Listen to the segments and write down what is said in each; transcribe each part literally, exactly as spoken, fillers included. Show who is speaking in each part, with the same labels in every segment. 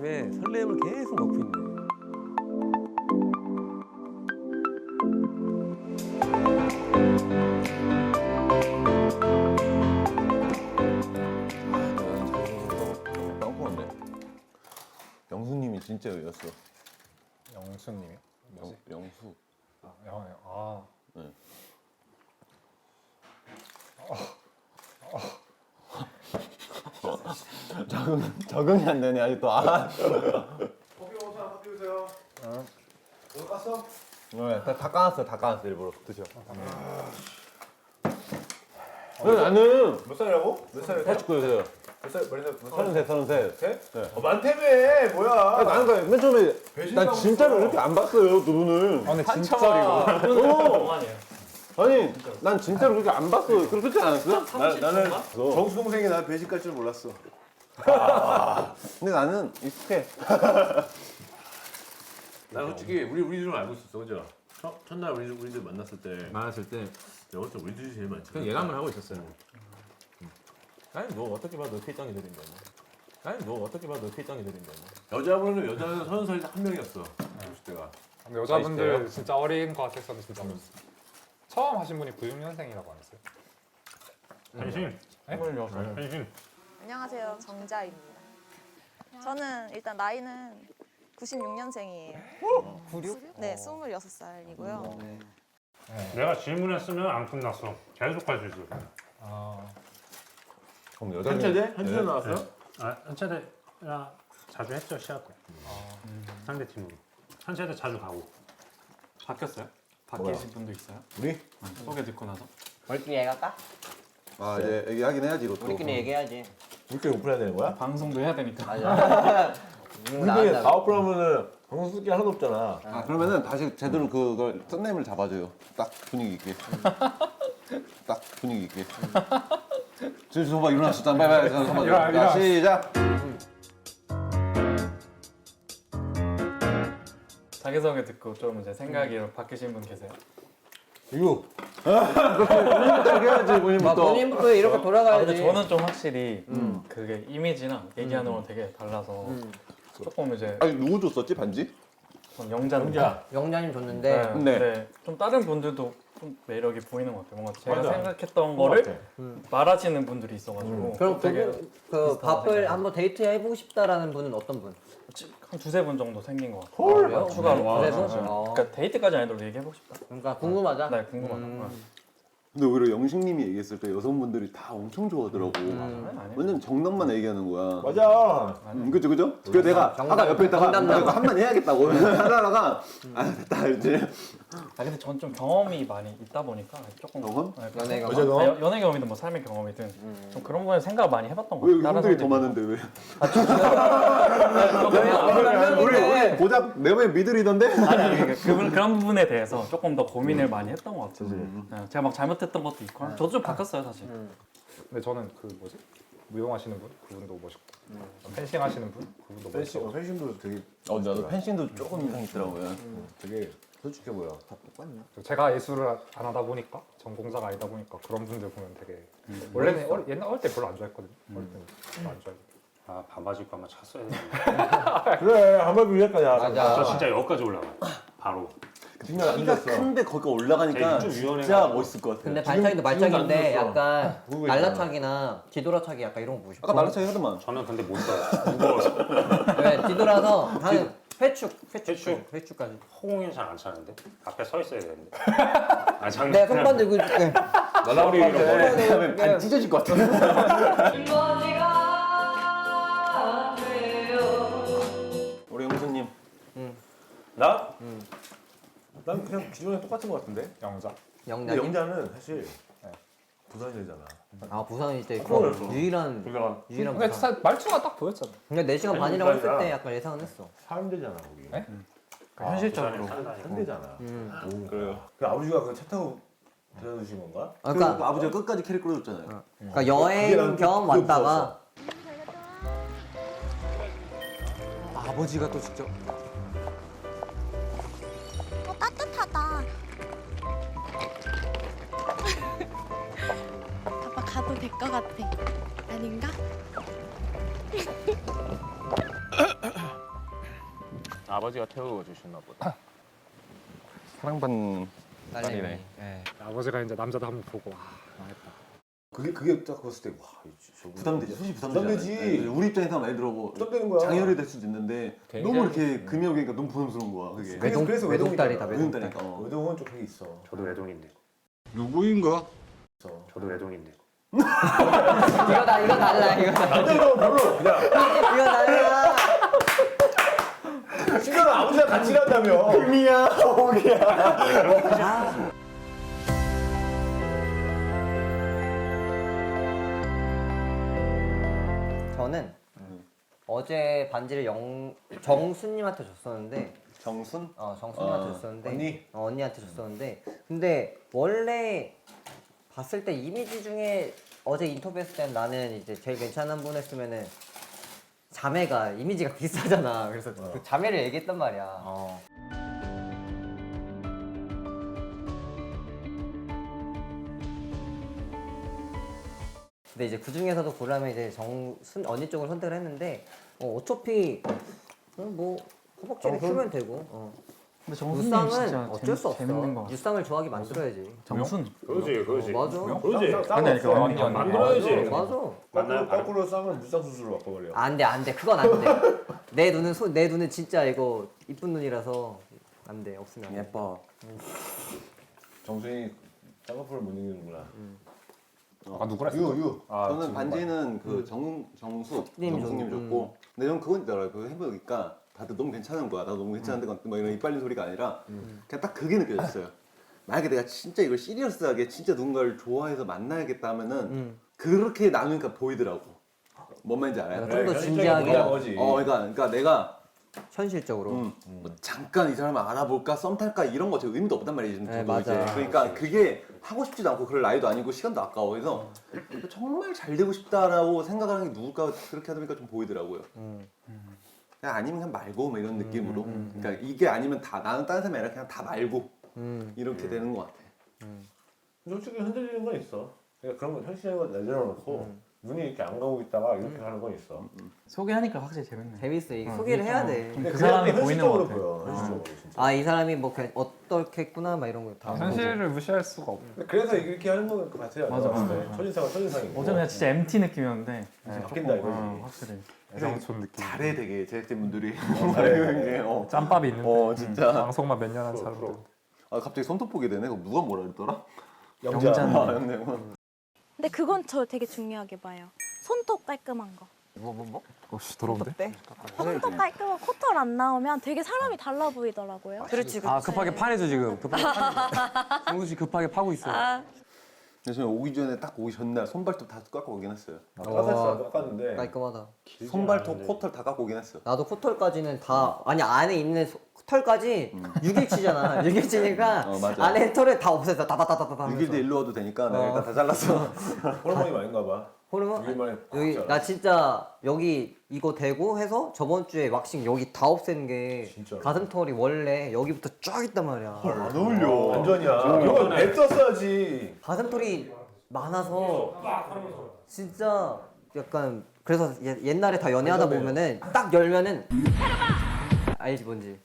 Speaker 1: 때문에 설렘을 계속 넣고 있네.
Speaker 2: 영수님이 진짜 여였어.
Speaker 3: 영수님이요? 뭐지?
Speaker 2: 영, 영수.
Speaker 3: 아, 영, 아.
Speaker 2: 네. 적응, 적응이 안 되네 아직도. 아.
Speaker 4: 커피 오세요. 커피 오세요.
Speaker 3: 어.
Speaker 4: 너 깠어?
Speaker 2: 네, 다, 다 까놨어요. 다 까놨어요. 일부러 드셔. 왜 나는
Speaker 4: 몇 살이라고? 몇 살이야?
Speaker 2: 팔십구 세요.
Speaker 4: 몇 살? 몇 살?
Speaker 2: 서른셋, 서른셋.
Speaker 4: 셋? 어, 많다며. 뭐야?
Speaker 2: 아, 나는 그냥 맨 처음에
Speaker 4: 배신감
Speaker 2: 난 진짜로
Speaker 4: 없어.
Speaker 2: 이렇게 안 봤어요 두 분을.
Speaker 3: 아, 근데 진짜리고.
Speaker 2: 어. 아니 난 진짜로 그렇게 안 봤어요. 그렇지 않았어요?
Speaker 4: 나, 나는
Speaker 2: 어.
Speaker 4: 정수 동생이 나 배신 깔 줄 몰랐어.
Speaker 2: 근데 나는 익숙해.
Speaker 5: 나 솔직히 우리 우리들은 알고 있었어, 그죠? 첫, 첫날 우리 우리들 만났을 때
Speaker 1: 많았을 때
Speaker 5: 내가 볼때 우리들이 제일 많지.
Speaker 1: 그냥 예감을 하고 있었어요. 아니 너 어떻게 봐도 필장이 들인데 뭐. 아니 너 어떻게 봐도 필장이 들인데 뭐.
Speaker 5: 여자분은 여자는 서른 살이 한 명이었어. 오십 대가.
Speaker 3: 근데 여자분들 진짜 어린 것 같아서 진짜 어렸어. 처음 하신 분이 구십육 년생이라고 안 했어요?
Speaker 6: 한신.
Speaker 3: 네?
Speaker 6: 한신.
Speaker 7: 안녕하세요. 정자입니다. 저는 일단 나이는 구십육 년생이에요.
Speaker 3: 구십육?
Speaker 7: 네, 스물여섯 살이고요.
Speaker 6: 내가 질문했으면 안 끝났어. 계속 할 수 있어.
Speaker 3: 아,
Speaker 2: 그럼 여자
Speaker 5: 한체대? 한체대 나왔어요?
Speaker 6: 아, 한차대랑 자주 했죠, 시합 때. 상대 팀으로. 한차대 자주 가고.
Speaker 8: 바뀌었어요? 바뀌신 분도 있어요?
Speaker 2: 우리?
Speaker 8: 소개 듣고 나서?
Speaker 9: 우리끼리 얘기할까?
Speaker 2: 아 이제 얘기하긴 해야지 이것도.
Speaker 9: 우리끼리 얘기해야지.
Speaker 5: 우리끼리 오픈해야 되는 거야?
Speaker 8: 방송도 해야 되니까.
Speaker 9: 맞아.
Speaker 5: 우리끼리 다 오픈하면은 방송 쓸 게 하나도 없잖아.
Speaker 2: 아 그러면은 다시 제대로 그걸 썬네임을 잡아줘요. 딱 분위기 있게. 딱 분위기 있게. 지금 저봐 일어났었잖아. 빨리 빨리 한번
Speaker 3: 일어나, 일어나.
Speaker 2: 자 시작.
Speaker 8: 자기소개 듣고 좀 이제 생각이 바뀌신 분 계세요?
Speaker 2: 이거. 본인부터 해야지
Speaker 9: 막
Speaker 2: 본인부터.
Speaker 9: 본인부터 이렇게
Speaker 8: 아,
Speaker 9: 돌아가야지.
Speaker 8: 근데 저는 좀 확실히 그게 이미지랑 얘기하는 건 되게 달라서 조금 이제
Speaker 2: 아니 누구 줬었지 반지?
Speaker 8: 전 영자는
Speaker 5: 영자.
Speaker 9: 영자님 줬는데
Speaker 8: 네,
Speaker 2: 네.
Speaker 8: 네. 좀 다른 분들도 좀 매력이 보이는 것 같아요. 뭔가 제가
Speaker 5: 맞아.
Speaker 8: 생각했던
Speaker 5: 그거
Speaker 8: 거를
Speaker 5: 같아.
Speaker 8: 말하시는 분들이 있어가지고
Speaker 9: 그럼
Speaker 8: 되게
Speaker 9: 그, 그 밥을 한번 데이트 해보고 싶다라는 분은 어떤 분?
Speaker 8: 한 두세 분 정도 생긴 것 같아요.
Speaker 9: 그래요?
Speaker 8: 추가로.
Speaker 9: 그래 분?
Speaker 8: 네.
Speaker 9: 어.
Speaker 8: 그러니까 데이트까지 아니더라도 얘기해보고 싶다.
Speaker 9: 그러니까 궁금하다.
Speaker 8: 네, 궁금하다.
Speaker 9: 음.
Speaker 2: 근데 오히려 영식님이 얘기했을 때 여성분들이 다 엄청 좋아하더라고.
Speaker 8: 아니, 아니.
Speaker 2: 완전 정답만 얘기하는 거야.
Speaker 4: 맞아.
Speaker 2: 음, 그죠 그죠? 그래서 내가
Speaker 9: 정답,
Speaker 2: 아까 옆에 있다가
Speaker 9: 정답
Speaker 2: 나 이거
Speaker 9: 나와.
Speaker 2: 한마디 해야겠다고 하다가 아 됐다 이제.
Speaker 8: 아 근데 전 좀 경험이 많이 있다 보니까 조금
Speaker 2: 경험?
Speaker 8: 네,
Speaker 9: 연애 경험?
Speaker 5: 어제 너?
Speaker 8: 아, 연- 연애 경험이든 뭐 삶의 경험이든 좀 그런 거에 생각을 많이 해봤던 것
Speaker 2: 왜
Speaker 8: 같아요.
Speaker 2: 형들이 더
Speaker 8: 사람들이.
Speaker 2: 많은데 왜?
Speaker 8: 아,
Speaker 2: 우리 우리 고작 네 명의 미들이던데?
Speaker 8: 아니 아니 그러니까 그분 그런 부분에 대해서 조금 더 고민을 많이 했던 것 같아요. 네, 제가 막 잘못했던 것도 있고 저도 좀 바뀌었어요 사실.
Speaker 3: 근데 저는 그 뭐지? 무용하시는 분? 그분도 멋있고. 펜싱 하시는 분? 그분도
Speaker 4: 펜싱,
Speaker 3: 멋있고.
Speaker 4: 어, 펜싱도 되게
Speaker 2: 어 나도 펜싱도 조금 인상 있더라고요.
Speaker 4: 되게 솔직해 보여. 다 똑같냐?
Speaker 3: 제가 예술을 안 하다 보니까 전공자가 아니다 보니까 그런 분들 보면 되게 원래는 어리, 옛날 어릴 때 별로 안 좋아했거든요. 어릴 때는 별로 안 좋아했는데.
Speaker 6: 아, 반바지 입고 한번 찼어야 되는데.
Speaker 4: 그래 한번 위에까지
Speaker 9: 맞아.
Speaker 6: 저 진짜 여기까지 올라가. 바로.
Speaker 2: 키가 큰데 거기가 올라가니까
Speaker 6: 좀 유연해가지고.
Speaker 2: 진짜 멋있을 것 같아.
Speaker 9: 근데 발차기도 발차기인데
Speaker 5: 지금도 안
Speaker 9: 약간
Speaker 4: 누구
Speaker 9: 날라차기나 뒤돌아차기 약간 이런 거 보고 싶어.
Speaker 2: 아까 날라차기 하더만.
Speaker 6: 저는 근데 못 써요. 무거워서.
Speaker 9: 왜 뒤돌아서 하는 회축, 회축,
Speaker 6: 회축?
Speaker 9: 회축까지.
Speaker 6: 허공이 잘 안 차는데. 앞에 서 있어야 되는데. 아, 장난.
Speaker 9: 내 손만 들고 있을게.
Speaker 5: 날라오리 이런 거.
Speaker 2: 그다음에 반 찢어질 것 같아. 우리 영수님.
Speaker 4: 나? 난 그냥 기존에 똑같은 것 같은데.
Speaker 3: 영자.
Speaker 4: 근데
Speaker 9: 영자님.
Speaker 4: 영자는 사실 부산이잖아.
Speaker 9: 아 부산이 이때 그
Speaker 4: 그래서.
Speaker 9: 유일한
Speaker 5: 그러다가
Speaker 9: 유일한
Speaker 3: 근데
Speaker 9: 부산.
Speaker 3: 진짜 말투가 딱 보였잖아.
Speaker 9: 근데 네 시간
Speaker 4: 아니,
Speaker 9: 반이라고 했을
Speaker 4: 부산이잖아.
Speaker 9: 때 약간 예상은 했어.
Speaker 4: 사람들잖아 거기.
Speaker 3: 네?
Speaker 8: 현실적으로.
Speaker 4: 산대잖아.
Speaker 9: 음.
Speaker 2: 그래요.
Speaker 4: 그 아버지가 그 차 타고 데려다 주신 건가?
Speaker 9: 아,
Speaker 2: 그
Speaker 9: 그러니까,
Speaker 2: 아버지가 끝까지 캐릭 끌어줬잖아요.
Speaker 9: 그러니까
Speaker 4: 그게
Speaker 9: 여행
Speaker 4: 난
Speaker 9: 겸
Speaker 4: 그게
Speaker 9: 왔다가
Speaker 1: 아버지가 또 직접
Speaker 7: 어, 따뜻하다. 아빠 가도 될 것 같아. 아닌가?
Speaker 1: 아버지가 태워 주셨나 보다.
Speaker 2: 사랑받는
Speaker 9: 딸내미.
Speaker 2: 딸이네.
Speaker 9: 예.
Speaker 3: 아버지가 이제 남자도 한번 보고 와 망했다.
Speaker 4: 그게 그게 딱 봤을 때 와, 저
Speaker 2: 부담되죠. 솔직히 부담되죠.
Speaker 4: 부담되지.
Speaker 2: 우리 입장에서 예를 들어 뭐
Speaker 4: 부담되는 거야.
Speaker 2: 장혈이 될 수도 있는데
Speaker 1: 굉장히-
Speaker 2: 너무 이렇게 금이 오니까 너무 부담스러운 거야. 그게.
Speaker 4: 그래서- 그래서
Speaker 9: 외동딸이다
Speaker 4: 외동이잖아.
Speaker 9: 외동딸.
Speaker 2: 외동딸이니까. 어.
Speaker 4: 외동은 좀 그게 있어.
Speaker 3: 저도 외동인데.
Speaker 2: 누구인가?
Speaker 4: 있어.
Speaker 3: 저도 외동인데.
Speaker 9: 이거 다 이거 달라 이거.
Speaker 4: 남자도 별로 그냥
Speaker 9: 이거 달라.
Speaker 4: 심지어 아버지랑 같이 일한다며.
Speaker 9: 금이야 오기야. 저는 어제 반지를 영 정수님한테 줬었는데
Speaker 2: 정순?
Speaker 9: 어 정수님한테
Speaker 2: 아,
Speaker 9: 줬었는데
Speaker 4: 언니?
Speaker 9: 어, 언니한테 줬었는데 근데 원래 봤을 때 이미지 중에 어제 인터뷰했을 땐 나는 이제 제일 괜찮은 분 했으면은 자매가 이미지가 비슷하잖아. 그래서 그 자매를 얘기했단 말이야.
Speaker 8: 어.
Speaker 9: 근데 이제 그 중에서도 고르면 이제 정순 언니 쪽을 선택을 했는데 어, 어차피 어, 뭐 허벅지를 키우면 되고 어.
Speaker 8: 근데 정수님
Speaker 9: 유쌍은
Speaker 8: 진짜
Speaker 9: 어쩔 수
Speaker 8: 재밌,
Speaker 9: 없어.
Speaker 8: 재밌는 거 같아.
Speaker 9: 유쌍을 좋아하기 만들어야지.
Speaker 8: 정순?
Speaker 5: 그렇지, 그렇지.
Speaker 9: 어, 맞아.
Speaker 5: 그렇지.
Speaker 3: 아니 아니 그 언니 언니.
Speaker 5: 만들어야지.
Speaker 9: 맞아.
Speaker 4: 거꾸로,
Speaker 5: 만나요, 바로.
Speaker 4: 거꾸로 쌍을 무쌍 수술로 바꿔버려.
Speaker 9: 안 돼, 안 돼. 그건 안 돼. 내 눈은 소, 내 눈은 진짜 이거 이쁜 눈이라서 안 돼. 없으면 안 돼.
Speaker 2: 예뻐.
Speaker 4: 정수이 쌍꺼풀을 못 이기는구나.
Speaker 3: 아 누구라
Speaker 4: 유 유.
Speaker 3: 아,
Speaker 2: 저는
Speaker 3: 지금
Speaker 2: 반지는 그 정, 정수,
Speaker 9: 님
Speaker 2: 정수님
Speaker 9: 줬-
Speaker 2: 줬고 근데 저는 그건 있더라고요. 그거 해보니까 다들 너무 괜찮은 거야. 나도 너무 괜찮은데 뭐 이런 이빨린 소리가 아니라 그냥 딱 그게 느껴졌어요. 만약에 내가 진짜 이걸 시리어스하게 진짜 누군가를 좋아해서 만나야겠다 하면은
Speaker 9: 음.
Speaker 2: 그렇게 나누니까 보이더라고. 뭔 말인지 알아요?
Speaker 9: 좀 더
Speaker 4: 현실적인
Speaker 9: 진지하게
Speaker 4: 문제인 거지.
Speaker 2: 어, 그러니까, 그러니까 내가
Speaker 9: 현실적으로.
Speaker 2: 음, 뭐 잠깐 이 사람을 알아볼까 썸 탈까 이런 거 지금 의미도 없단 말이지.
Speaker 9: 네,
Speaker 2: 저도
Speaker 9: 맞아.
Speaker 2: 이제. 그러니까 그게 하고 싶지도 않고 그럴 나이도 아니고 시간도 아까워. 그래서 정말 잘 되고 싶다라고 생각하는 게 누굴까 그렇게 하다 보니까 좀 보이더라고요.
Speaker 9: 음.
Speaker 2: 그냥 아니면 그냥 말고 뭐 이런 느낌으로.
Speaker 9: 음, 음,
Speaker 2: 그러니까 이게 아니면 다 나는 다른 사람이 아니라 그냥 다 말고
Speaker 9: 음.
Speaker 2: 이렇게 되는 것 같아.
Speaker 4: 솔직히 흔들리는 건 있어. 그러니까 그런 건 현실적인 건 내려놓고
Speaker 9: 음.
Speaker 4: 눈이 이렇게 안 가고 있다가 이렇게 하는 건 있어.
Speaker 8: 소개하니까 확실히 재밌네.
Speaker 9: 재밌어. 이게
Speaker 8: 어,
Speaker 9: 소개를 해야
Speaker 8: 어,
Speaker 9: 돼.
Speaker 8: 좀 그 사람이
Speaker 4: 그냥
Speaker 8: 보이는 것
Speaker 4: 현실적으로
Speaker 8: 같아.
Speaker 4: 보여. 현실적으로 진짜.
Speaker 9: 아, 이 사람이 뭐 그냥 어떻겠구나 막 이런 거 다.
Speaker 3: 현실을 무시할 수가 없.
Speaker 4: 그래서 이렇게 하는 건 그 같아요.
Speaker 8: 맞아,
Speaker 4: 내가 봤을
Speaker 8: 맞아.
Speaker 4: 때. 첫인상은 첫인상이고.
Speaker 8: 어제 그냥 진짜 엠티 느낌이었는데
Speaker 4: 이제 바뀐다 이거지.
Speaker 8: 어, 확실히
Speaker 3: 애상촌 느낌.
Speaker 2: 잘해 되게 제작진분들이.
Speaker 4: 잘해.
Speaker 2: 이게, 어.
Speaker 3: 짬밥이 있는데.
Speaker 2: 어 진짜.
Speaker 3: 방송만 몇 년 한 사람들.
Speaker 2: 아 갑자기 손톱 보게 되네. 그거 누가 뭐라 그랬더라?
Speaker 4: 영자.
Speaker 8: 영자는-
Speaker 2: 아, 영내군.
Speaker 7: 근데 그건 저 되게 중요하게 봐요. 손톱 깔끔한 거.
Speaker 9: 뭐 뭐 뭐?
Speaker 3: 어씨 더러운데?
Speaker 7: 손톱 깔끔한 코털 안 나오면 되게 사람이 달라 보이더라고요.
Speaker 10: 그렇지, 그렇지. 아 급하게 파내죠 지금. 급하게 파내죠. 성수 씨 급하게 파고 있어요.
Speaker 2: 근데 저는 오기 전에 딱 오기 전날 손발톱 다 깎고 오긴 했어요.
Speaker 4: 깎았어, 깎았는데.
Speaker 9: 깔끔하다.
Speaker 2: 손발톱, 코털 다 깎고 오긴 했어요.
Speaker 9: 나도 코털까지는 다 아니 안에 있는 소- 털까지 육 일치잖아. 육 일치니까
Speaker 2: 어, 맞아.
Speaker 9: 안에 털을 다 없앴어. 다다다다다.
Speaker 2: 육 일 뒤에 일로 와도 되니까 내가
Speaker 9: 어.
Speaker 2: 일단 다 잘랐어.
Speaker 4: 호르몬이 많은가 봐.
Speaker 9: 호르몬?
Speaker 4: 육 일 만에
Speaker 9: 여기
Speaker 4: 깎았잖아.
Speaker 9: 나 진짜 여기 이거 대고 해서 저번 주에 왁싱 여기 다 없앤 게
Speaker 4: 진짜로?
Speaker 9: 가슴 털이 원래 여기부터 쫙 있단 말이야.
Speaker 2: 안 어울려.
Speaker 4: 완전이야. 이건 뱉었어야지.
Speaker 9: 가슴 털이 많아서 진짜 약간 그래서 예- 옛날에 다 연애하다 보면은 딱 열면은 알지 뭔지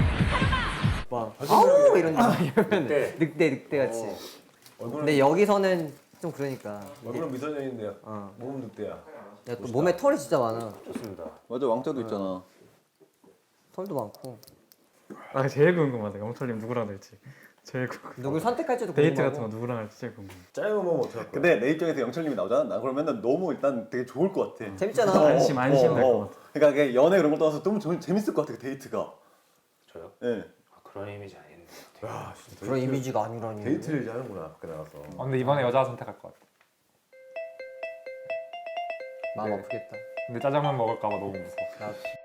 Speaker 9: 막 아우 이런 이러면 늑대 늑대 같이.
Speaker 4: 얼굴은,
Speaker 9: 근데 여기서는 좀 그러니까
Speaker 4: 얼굴은 미소년인데
Speaker 9: 어.
Speaker 4: 몸은 늑대야.
Speaker 9: 야, 또 몸에 털이 진짜 많아.
Speaker 3: 좋습니다.
Speaker 2: 맞아 왕자도 있잖아.
Speaker 9: 털도 많고
Speaker 8: 아 제일 궁금하다. 영철님 누구랑 될지 제일 궁금.
Speaker 9: 누굴 선택할지도
Speaker 8: 데이트
Speaker 9: 궁금하고.
Speaker 8: 같은 거 누구랑 할지 제일 궁금.
Speaker 4: 짧은 몸은 어떡할 거야?
Speaker 2: 근데 내 입장에서 영철님이 나오잖아. 나 그러면 너무 일단 되게 좋을 것 같아.
Speaker 9: 재밌잖아.
Speaker 8: 안심 안심 될 것 같아.
Speaker 2: 그러니까 그게 연애 그런 걸 떠나서 너무 재- 재밌을 것 같아 그 데이트가.
Speaker 3: 저요?
Speaker 2: 예.
Speaker 3: 아, 그런 이미지 아닌데.
Speaker 4: 야, 진짜
Speaker 9: 그런 이미지가 아니라니.
Speaker 4: 데이트를 이제 하는구나 밖에 나가서.
Speaker 3: 아, 근데 이번에 여자 선택할 것 같아.
Speaker 9: 마음
Speaker 3: 네.
Speaker 9: 아프겠다.
Speaker 3: 근데 짜장면 먹을까봐 너무 무서워.
Speaker 9: 나